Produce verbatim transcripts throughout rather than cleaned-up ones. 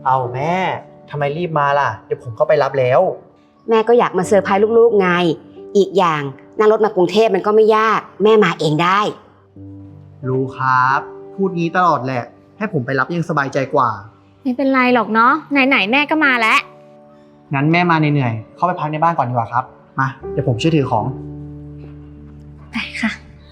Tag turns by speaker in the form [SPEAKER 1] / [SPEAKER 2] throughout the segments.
[SPEAKER 1] เอาแม่ทำไมรีบมาล่ะเดี๋ยวผมเข้าไปรับแล้ว
[SPEAKER 2] แม่ก็อยากมาเซอร์ไพรส์ลูกๆไงอีกอย่างนั่งรถมากรุงเทพมันก็ไม่ยากแม่มาเองได้
[SPEAKER 1] รู้ครับพูดงี้ตลอดแหละให้ผมไปรับยังสบายใจกว่า
[SPEAKER 3] ไม่เป็นไรหรอกเนาะไหนๆแม่ก็มาแล้ว
[SPEAKER 1] งั้นแม่มาเหนื่อยๆเข้าไปพักในบ้านก่อนดีกว่าครับมาเดี๋ยวผมช่วยถือของ
[SPEAKER 3] ไปค่ะ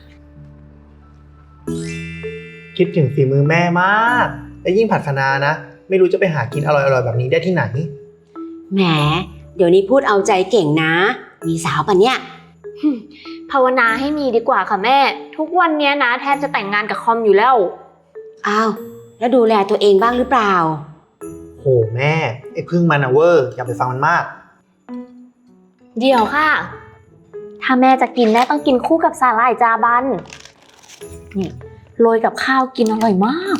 [SPEAKER 1] คิดถึงฝีมือแม่มากและยิ่งผัดคะน้านะไม่รู้จะไปหากินอร่อยๆแบบนี้ได้ที่ไหน
[SPEAKER 2] แหมเดี๋ยวนี้พูดเอาใจเก่งนะมีสาวปะเนี่ย
[SPEAKER 3] ภาวนาให้มีดีกว่าค่ะแม่ทุกวันนี้นะแทบจะแต่งงานกับคอมอยู่แล้ว
[SPEAKER 2] อ้าวแล้วดูแลตัวเองบ้างหรือเปล่า
[SPEAKER 1] โหแม่ไอ้พึ่งมันอะเวอร์อย่าไปฟังมันมาก
[SPEAKER 3] เดี๋ยวค่ะถ้าแม่จะกินแม่ต้องกินคู่กับสาหร่ายจาบันนี่โรยกับข้าวกินอร่อยมาก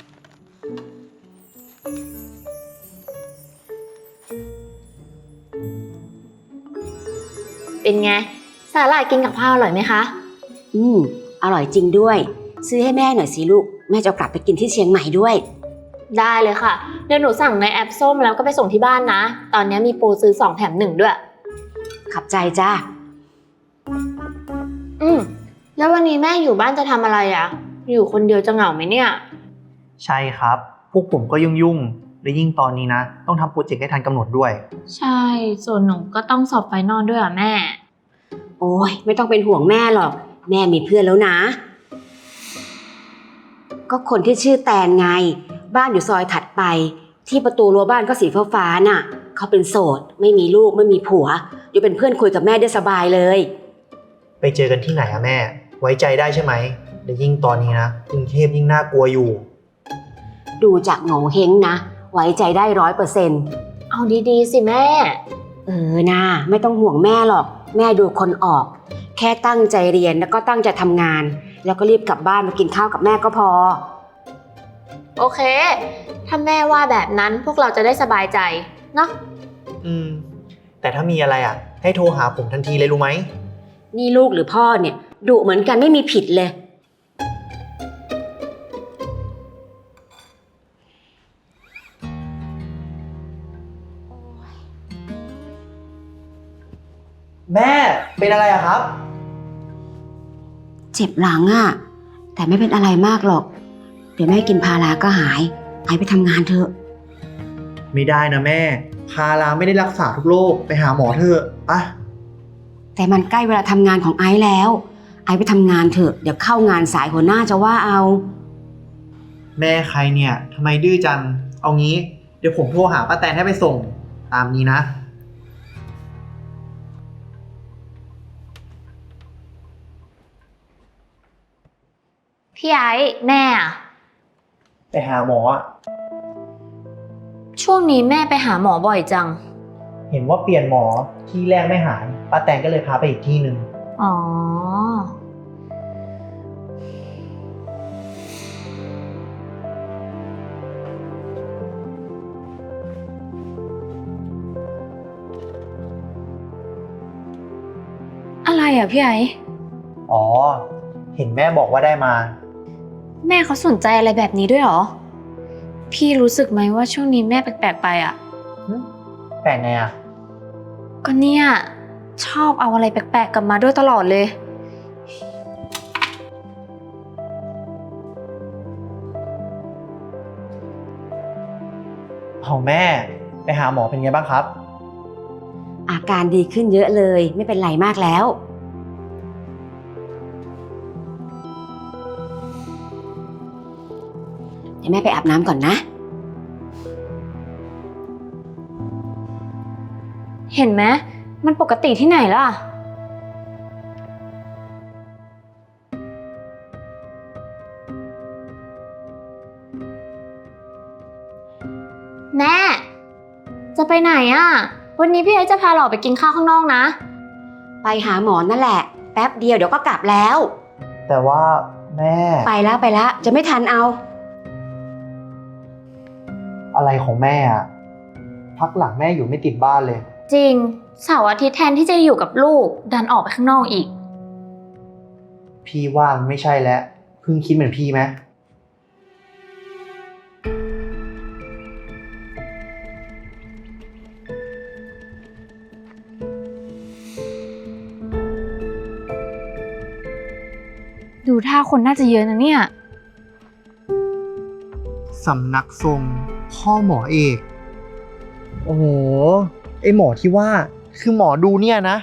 [SPEAKER 3] เป็นไงสาหร่ายกินกับข้าวอร่อยไหมคะ
[SPEAKER 2] อืมอร่อยจริงด้วยซื้อให้แม่หน่อยสิลูกแม่จะกลับไปกินที่เชียงใหม่ด้วย
[SPEAKER 3] ได้เลยค่ะเดี๋ยวหนูสั่งในแอปส้มแล้วก็ไปส่งที่บ้านนะตอนนี้มีโปรซื้อสองแถมหนึ่งด้วย
[SPEAKER 2] ขับใจจ้า
[SPEAKER 3] อืมแล้ววันนี้แม่อยู่บ้านจะทำอะไรอ่ะอยู่คนเดียวจะเหงาไหมเนี่ย
[SPEAKER 1] ใช่ครับพวกผมก็ยุ่งๆและยิ่งตอนนี้นะต้องทำโปรเจกต์ให้ทันกำหนดด้วย
[SPEAKER 3] ใช่ส่วนหนูก็ต้องสอบไฟนอลด้วยอ่ะแม่
[SPEAKER 2] โอ้ยไม่ต้องเป็นห่วงแม่หรอกแม่มีเพื่อนแล้วนะก็คนที่ชื่อแตนไงบ้านอยู่ซอยถัดไปที่ประตูรั้วบ้านก็สีฟ้าๆน่ะเขาเป็นโสดไม่มีลูกไม่มีผัวอยู่เป็นเพื่อนคุยกับแม่ได้สบายเลย
[SPEAKER 1] ไปเจอกันที่ไหนอะแม่ไว้ใจได้ใช่ไหมและยิ่งตอนนี้นะกรุงเทพยิ่งน่ากลัวอยู่
[SPEAKER 2] ดูจากโง่เฮงนะไว้ใจได้ร้อยเปอร์เซ็นต์
[SPEAKER 3] เอาดีๆสิแม่
[SPEAKER 2] เออนะไม่ต้องห่วงแม่หรอกแม่ดูคนออกแค่ตั้งใจเรียนแล้วก็ตั้งใจทำงานแล้วก็รีบกลับบ้านมากินข้าวกับแม่ก็พอ
[SPEAKER 3] โอเคถ้าแม่ว่าแบบนั้นพวกเราจะได้สบายใจเนาะ
[SPEAKER 1] อืมแต่ถ้ามีอะไรอ่ะให้โทรหาผมทันทีเลยรู้ไหม
[SPEAKER 2] นี่ลูกหรือพ่อเนี่ยดุเหมือนกันไม่มีผิดเลย
[SPEAKER 1] แม่เป็นอะไรอะครับ
[SPEAKER 2] เจ็บหลังอะแต่ไม่เป็นอะไรมากหรอกเดี๋ยวแม่กินพาราก็หายไอไปทำงานเถอะ
[SPEAKER 1] ไม่ได้นะแม่พาราไม่ได้รักษาทุกโรคไปหาหมอเถอะปะ
[SPEAKER 2] แต่มันใกล้เวลาทำงานของไอแล้วไอไปทำงานเถอะเดี๋ยวเข้างานสายหัวหน้าจะว่าเอา
[SPEAKER 1] แม่ใครเนี่ยทำไมดื้อจังเอางี้เดี๋ยวผมโทรหาป้าแตนให้ไปส่งตามนี้นะ
[SPEAKER 3] พี่ไอ้แม่อะ
[SPEAKER 1] ไปหาหมออะ
[SPEAKER 3] ช่วงนี้แม่ไปหาหมอบ่อยจัง
[SPEAKER 1] เห็นว่าเปลี่ยนหมอที่แรกไม่หายป้าแตนก็เลยพาไปอีกที่หนึ่ง
[SPEAKER 3] อ๋ออะไรอ่ะพี่ไอ้
[SPEAKER 1] อ๋อเห็นแม่บอกว่าได้มา
[SPEAKER 3] แม่เขาสนใจอะไรแบบนี้ด้วยเหรอพี่รู้สึกไหมว่าช่วงนี้แม่แปลกๆไปอ่ะ
[SPEAKER 1] แปลกไงอ่ะ
[SPEAKER 3] ก็เนี่ยชอบเอาอะไรแปลกๆกลับมาด้วยตลอดเลย
[SPEAKER 1] เอาแม่ไปหาหมอเป็นไงบ้างครับ
[SPEAKER 2] อาการดีขึ้นเยอะเลยไม่เป็นไรมากแล้วเดี๋ยวแม่ไปอาบน้ำก่อนนะ
[SPEAKER 3] เห็นไหมมันปกติที่ไหนล่ะแม่จะไปไหนอ่ะวันนี้พี่ไอ้จะพาเราไปกินข้าวข้างนอกนะ
[SPEAKER 2] ไปหาหมอนั่นแหละแป๊บเดียวเดี๋ยวก็กลับแล้ว
[SPEAKER 1] แต่ว่าแม่
[SPEAKER 2] ไปแล้วไปแล้วจะไม่ทันเอา
[SPEAKER 1] อะไรของแม่อ่ะพักหลังแม่อยู่ไม่ติดบ้านเลย
[SPEAKER 3] จริงเสาร์อาทิตย์แทนที่จะอยู่กับลูกดันออกไปข้างนอกอีก
[SPEAKER 1] พี่ว่ามันไม่ใช่แล้วเพิ่งคิดเหมือนพี่ไหม
[SPEAKER 3] ดูท่าคนน่าจะเยอะนะเนี่ย
[SPEAKER 1] สำนักทรงพ่อหมอเอก โอ้โห ไอหมอที่ว่าคือหมอดูเนี่ยนะ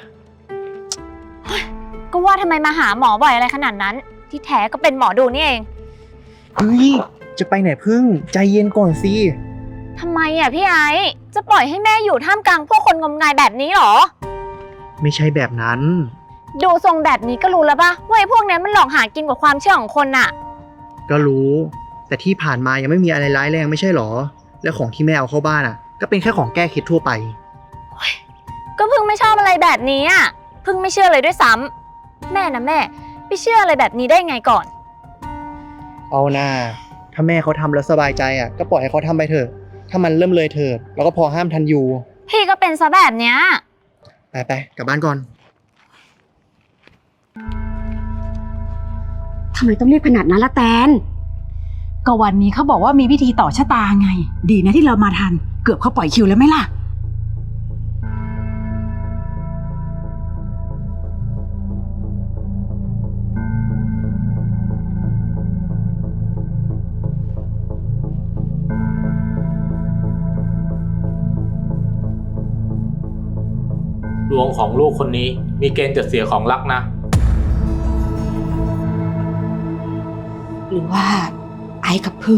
[SPEAKER 3] ก็ว่าทำไมมาหาหมอบ่อยอะไรขนาดนั้น ที่แท้ก็เป็นหมอดูนี่เอง
[SPEAKER 1] เฮ้ย จะไปไหนพึ่ง ใจเย็นก่อนสิ
[SPEAKER 3] ทำไมอ่ะพี่ไอซ์จะปล่อยให้แม่อยู่ท่ามกลางพวกคนงมงายแบบนี้หรอ
[SPEAKER 1] ไม่ใช่แบบนั้น
[SPEAKER 3] ดูทรงแบบนี้ก็รู้แล้วปะว่าไอ้พวกนี้มันหลอกหากินกว่าความเชื่อของคนน่ะ
[SPEAKER 1] ก็รู้ แต่ที่ผ่านมายังไม่มีอะไรร้ายแรงไม่ใช่หรอ และของที่แม่เอาเข้าบ้านอ่ะ ก็เป็นแค่ของแก้เคล็ดทั่วไป
[SPEAKER 3] ก็เพิ่งไม่ชอบอะไรแบบนี้อ่ะเพิ่งไม่เชื่อเลยด้วยซ้ำแม่นะแม่ไปเชื่ออะไรแบบนี้ได้ไงก่อน
[SPEAKER 1] เอาหน้า ถ้าแม่เขาทำแล้วสบายใจอ่ะ ก็ปล่อยให้เขาทำไปเถอะ ถ้ามันเริ่มเลยเถิดเราก็พอห้ามทันอยู่
[SPEAKER 3] พี่ก็เป็นซะแบบเนี้ย
[SPEAKER 1] ไปไปกลับบ้านก่อน
[SPEAKER 2] ทำไมต้องรีบขนาดนั้นละแตน
[SPEAKER 4] ก็วันนี้เขาบอกว่ามีวิธีต่อชะตาไง ดีนะที่เรามาทัน เกือบเขาปล่อยคิวแล้วไหมล่ะ
[SPEAKER 5] ดวงของลูกคนนี้มีเกณฑ์จะเสียของรักนะ
[SPEAKER 2] หรือว่า ไอ้กับพึ่ง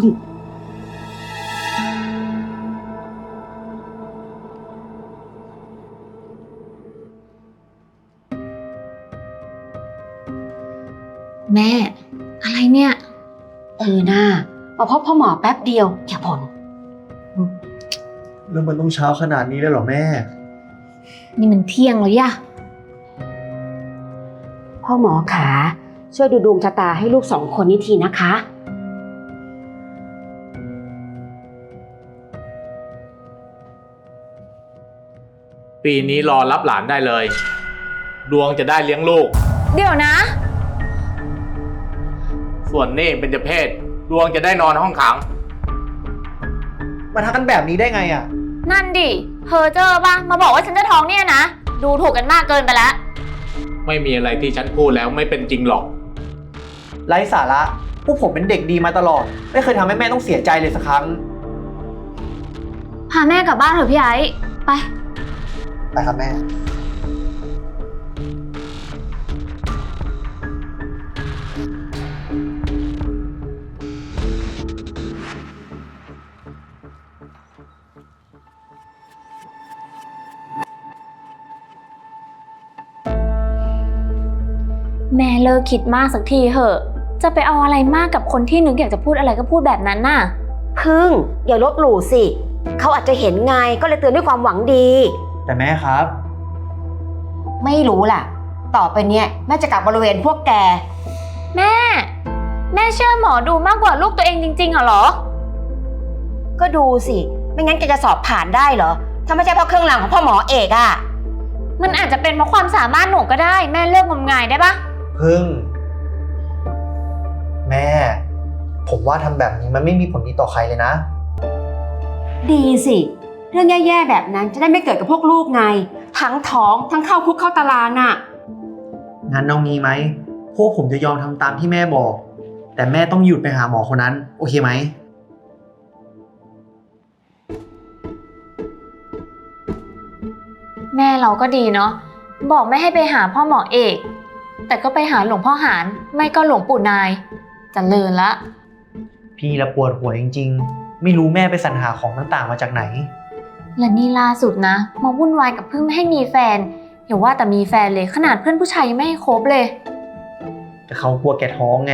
[SPEAKER 3] แม่ อะไรเนี่ย
[SPEAKER 2] เออหน้ามาพบพ่อหมอแป๊บเดียวอย่าบ่น
[SPEAKER 1] แล้วมันต้องเช้าขนาดนี้เลยเหรอแม่
[SPEAKER 3] นี่มันเที่ยงแล้วย่ะ
[SPEAKER 2] พ่อหมอขาช่วยดูดวงชะตาให้ลูกสองคนนี้ทีนะคะ
[SPEAKER 5] ปีนี้รอรับหลานได้เลย ดวงจะได้เลี้ยงลูก
[SPEAKER 3] เดี๋ยวนะ
[SPEAKER 5] ส่วนนี่เป็นเจเพศ ดวงจะได้นอนห้องขัง
[SPEAKER 1] มาทำกันแบบนี้ได้ไงอ่ะ
[SPEAKER 3] นั่นดิเพอเจอปะมาบอกว่าฉันจะท้องเนี่ยนะ ดูถูกกันมากเกินไปแล้ว
[SPEAKER 5] ไม่มีอะไรที่ฉันพูดแล้วไม่เป็นจริงหรอก
[SPEAKER 1] ไร้สาระ พวกผมเป็นเด็กดีมาตลอด ไม่เคยทำให้แม่ต้องเสียใจเลยสักครั้ง
[SPEAKER 3] พาแม่กลับบ้านเถอะพี่ไอ้ไป
[SPEAKER 1] ไปครับแม่
[SPEAKER 3] แม่เลิกคิดมากสักทีเหอะ จะไปเอาอะไรมากกับคนที่นึกอยากจะพูดอะไรก็พูดแบบนั้นน่ะ
[SPEAKER 2] พึ่งอย่าลบหลู่สิ เขาอาจจะเห็นไงก็เลยเตือนด้วยความหวังดี
[SPEAKER 1] แต่แม่ครับ
[SPEAKER 2] ไม่รู้ล่ะ ต่อไปเนี้ยแม่จะกลับบริเวณพวกแก
[SPEAKER 3] แม่ แม่เชื่อหมอดูมากกว่าลูกตัวเองจริงๆเหรอ
[SPEAKER 2] ก็ดูสิ ไม่งั้นแกจะสอบผ่านได้เหรอ ถ้าไม่ใช่เพราะเครื่องรางของพ่อหมอเอกอะ
[SPEAKER 3] มันอาจจะเป็นเพราะความสามารถหนูก็ได้ แม่เลิกงมงายได้ปะ
[SPEAKER 1] พึ่ง แม่ ผมว่าทำแบบนี้มันไม่มีผลดีต่อใครเลยนะ
[SPEAKER 2] ดีสิ เรื่องแย่ๆแบบนั้นจะได้ไม่เกิดกับพวกลูกไง ทั้งท้องทั้งเข้าคุกเข้าตารางน่ะ
[SPEAKER 1] งั้นเอางี้ไหม พวกผมจะยอมทำตามที่แม่บอก แต่แม่ต้องหยุดไปหาหมอคนนั้น โอเคไหม
[SPEAKER 3] แม่เราก็ดีเนาะ บอกไม่ให้ไปหาพ่อหมอเอก แต่ก็ไปหาหลวงพ่อหารไม่ก็หลวงปู่นายเจริญละ
[SPEAKER 1] พี่ละปวดหัวจริงๆ ไม่รู้แม่ไปสรรหาของต่างๆมาจากไหน
[SPEAKER 3] และนี่ล่าสุดนะมาวุ่นวายกับเพิ่งไม่ให้มีแฟนอย่าว่าแต่มีแฟนเลยขนาดเพื่อนผู้ชายยังไม่ให้คบเลย
[SPEAKER 1] แต่เขากลัวแกท้องไง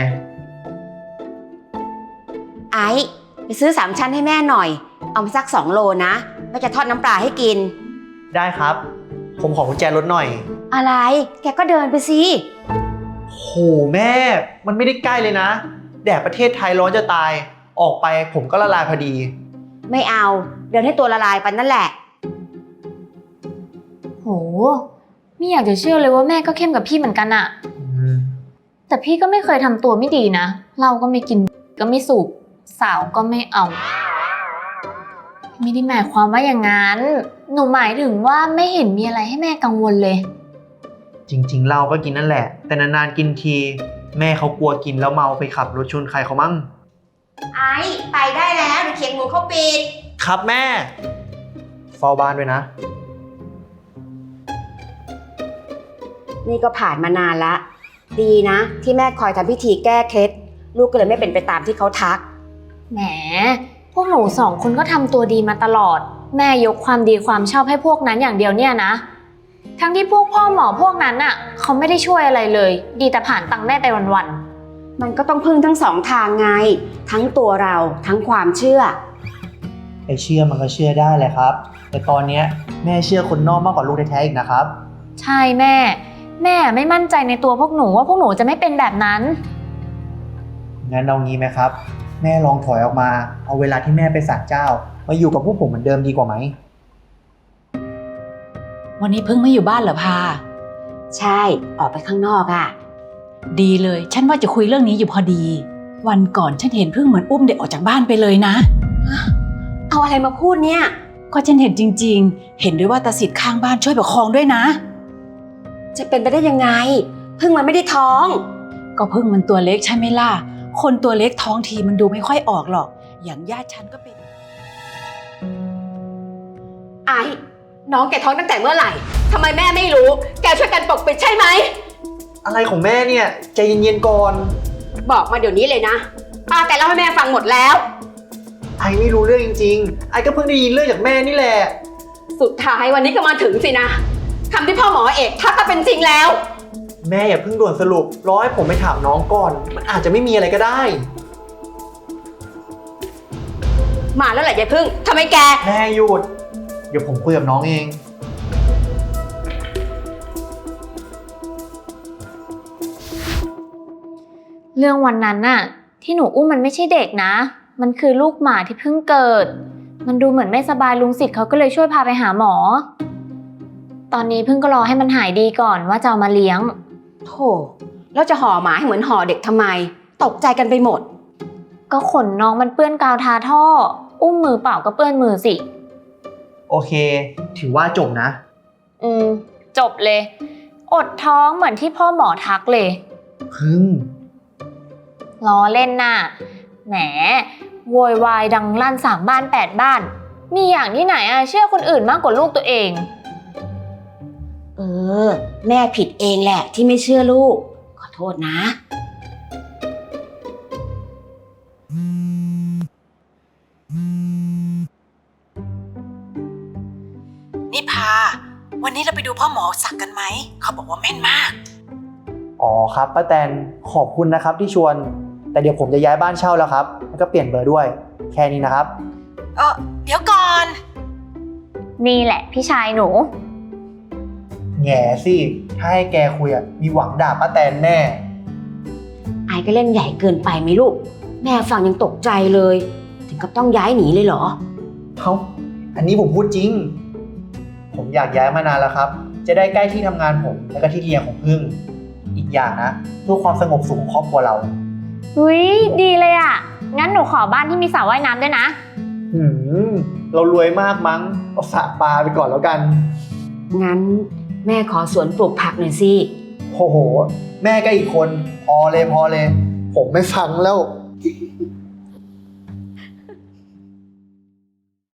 [SPEAKER 2] ไอ้ไปซื้อสามชั้นให้แม่หน่อย เอามาสักสองโลนะแม่จะทอดน้ำปลาให้กิน
[SPEAKER 1] ได้ครับ ผมขอกุญแจรถหน่อย
[SPEAKER 2] อะไร แกก็เดินไปสิ
[SPEAKER 1] โหแม่ มันไม่ได้ใกล้เลยนะ แดดประเทศไทยร้อนจะตาย ออกไปผมก็ละลายพอดี
[SPEAKER 2] ไม่เอา เดินให้ตัวละลายไปนั่นแหละ
[SPEAKER 3] โหไม่อยากจะเชื่อเลยว่าแม่ก็เข้มกับพี่เหมือนกันอะ
[SPEAKER 1] อืม
[SPEAKER 3] แต่พี่ก็ไม่เคยทำตัวไม่ดีนะเราก็ไม่กินก็ไม่สูบสาวก็ไม่เอาไม่ได้หมายความว่าอย่างนั้นหนูหมายถึงว่าไม่เห็นมีอะไรให้แม่กังวลเลย
[SPEAKER 1] จริงๆเราก็กินนั่นแหละ แต่นานๆกินทีแม่เขากลัวกินแล้วเมาไปขับรถชนใครเขามั่ง
[SPEAKER 2] ไอ้ไปได้แล้วเดี๋ยวเขียงหมูเขาปิด
[SPEAKER 1] ครับแม่เฝ้าบ้านด้วยนะ
[SPEAKER 2] นี่ก็ผ่านมานานละ ดีนะ ที่แม่คอยทำพิธีแก้เคล็ดลูกก็เลยไม่เป็นไปตามที่เขาทัก
[SPEAKER 3] แหม พวกหนูสองคนก็ทำตัวดีมาตลอด แม่ยกความดีความชอบให้พวกนั้นอย่างเดียวเนี่ยนะ ทั้งที่พวกพ่อหมอพวกนั้นน่ะเขาไม่ได้ช่วยอะไรเลย ดีแต่ผ่านตังค์แม่ไปวัน
[SPEAKER 2] มันก็ต้องพึ่งทั้งสองทางไง ทั้งตัวเราทั้งความเชื่อ
[SPEAKER 1] ไอเชื่อมันก็เชื่อได้แหละครับ แต่ตอนเนี้ยแม่เชื่อคนนอกมากกว่าลูกแท้ๆอีกนะครับ
[SPEAKER 3] ๆ ใช่แม่ แม่ไม่มั่นใจในตัวพวกหนูว่าพวกหนูจะไม่เป็นแบบนั้น
[SPEAKER 1] งั้นเอางี้ไหมครับ แม่ลองถอยออกมา เอาเวลาที่แม่ไปศาลเจ้า มาอยู่กับพวกผมเหมือนเดิมดีกว่าไหม
[SPEAKER 4] วันนี้พึ่งไม่อยู่บ้านเหรอพา
[SPEAKER 2] ใช่ ออกไปข้างนอกอ่ะ
[SPEAKER 4] ดีเลย ฉันว่าจะคุยเรื่องนี้อยู่พอดี วันก่อนฉันเห็นพึ่งเหมือนอุ้มเด็กออกจากบ้านไปเลยนะ
[SPEAKER 2] เอาอะไรมาพูดเนี่ย
[SPEAKER 4] ก็ฉันเห็นจริงๆ เห็นด้วยว่าตาสิทธิ์ข้างบ้านช่วยประคองด้วยนะ
[SPEAKER 2] จะเป็นไปได้ยังไง พึ่งมันไม่ได้ท้อง
[SPEAKER 4] ก็พึ่งมันตัวเล็กใช่ไหมล่ะ คนตัวเล็กท้องทีมันดูไม่ค่อยออกหรอก อย่างญาติฉันก็เป็น
[SPEAKER 2] ไอ้น้องแกท้องตั้งแต่เมื่อไหร่ทำไมแม่ไม่รู้ แกช่วยกันปกปิดใช่ไหม
[SPEAKER 1] อะไรของแม่เนี่ยใจเย็นๆก่อน
[SPEAKER 2] บอกมาเดี๋ยวนี้เลยนะป้าแต่เล่าให้แม่ฟังหมดแล้ว
[SPEAKER 1] ไอไม่รู้เรื่องจริงๆ ไอก็เพิ่งได้ยินเรื่องจากแม่นี่แหละ
[SPEAKER 2] สุดท้ายวันนี้ก็มาถึงสินะคำที่พ่อหมอเอกทักก็เป็นจริงแล้ว
[SPEAKER 1] แม่อย่าเพิ่งด่วนสรุปรอให้ผมไปถามน้องก่อน มันอาจจะไม่มีอะไรก็ได้
[SPEAKER 2] มาแล้วแหละยายพึ่งทำไมแก
[SPEAKER 1] แม่หยุด เดี๋ยวผมคุยกับน้องเอง
[SPEAKER 3] เรื่องวันนั้นน่ะที่หนูอุ้มมันไม่ใช่เด็กนะ มันคือลูกหมาที่เพิ่งเกิด มันดูเหมือนไม่สบายลุงสิทธิ์เขาก็เลยช่วยพาไปหาหมอ ตอนนี้เพิ่งก็รอให้มันหายดีก่อนว่าจะเอามาเลี้ยง
[SPEAKER 2] โธ่แล้วจะห่อหมาให้เหมือนห่อเด็กทำไม ตกใจกันไปหมด
[SPEAKER 3] ก็ขนน้องมันเปื้อนกาวทาท่อ อุ้มมือเปล่าก็เปื้อนมือสิ
[SPEAKER 1] โอเค ถือว่าจบนะ
[SPEAKER 3] อืมจบเลย อดท้องเหมือนที่พ่อหมอทักเลย
[SPEAKER 1] พึ่ง
[SPEAKER 3] ล้อเล่นน่ะ แหมโวยวายดังลั่นสามบ้านแปดบ้าน มีอย่างที่ไหนอะเชื่อคนอื่นมากกว่าลูกตัวเอง
[SPEAKER 2] เออ แม่ผิดเองแหละที่ไม่เชื่อลูก ขอโทษนะ
[SPEAKER 4] นี่พา วันนี้เราไปดูพ่อหมอศักดิ์กันไหม เขาบอกว่าแม่นมาก
[SPEAKER 1] อ๋อครับป้าแตนขอบคุณนะครับที่ชวน แต่เดี๋ยวผมจะย้ายบ้านเช่าแล้วครับแล้วก็เปลี่ยนเบอร์ด้วย แค่นี้นะครับ
[SPEAKER 4] เออเดี๋ยวก่อน
[SPEAKER 3] นี่แหละพี่ชายหนู
[SPEAKER 1] แง่สิ ถ้าให้แกคุยอะมีหวังด่าป้าแตนแน่
[SPEAKER 2] ไอ้ก็เล่นใหญ่เกินไปไหมลูก แม่ฟังยังตกใจเลย ถึงกับต้องย้ายหนีเลยเหรอ
[SPEAKER 1] เอ้า อันนี้ผมพูดจริง ผมอยากย้ายมานานแล้วครับ จะได้ใกล้ที่ทำงานผมและก็ที่เรียนของพึ่ง อีกอย่างนะเพื่อความสงบสุขของครอบครัวเรา
[SPEAKER 3] อุ้ยดีเลยอะงั้นหนูขอบ้านที่มีสระว่ายน้ำด้วยนะ
[SPEAKER 1] หืม เรารวยมากมั้ง เอาสระปลาไปก่อนแล้วกัน
[SPEAKER 2] งั้นแม่ขอสวนปลูกผักหน่อยสิ
[SPEAKER 1] โอ้โห แม่ก็อีกคน พอเลยพอเลย ผมไม่ฟังแล้ว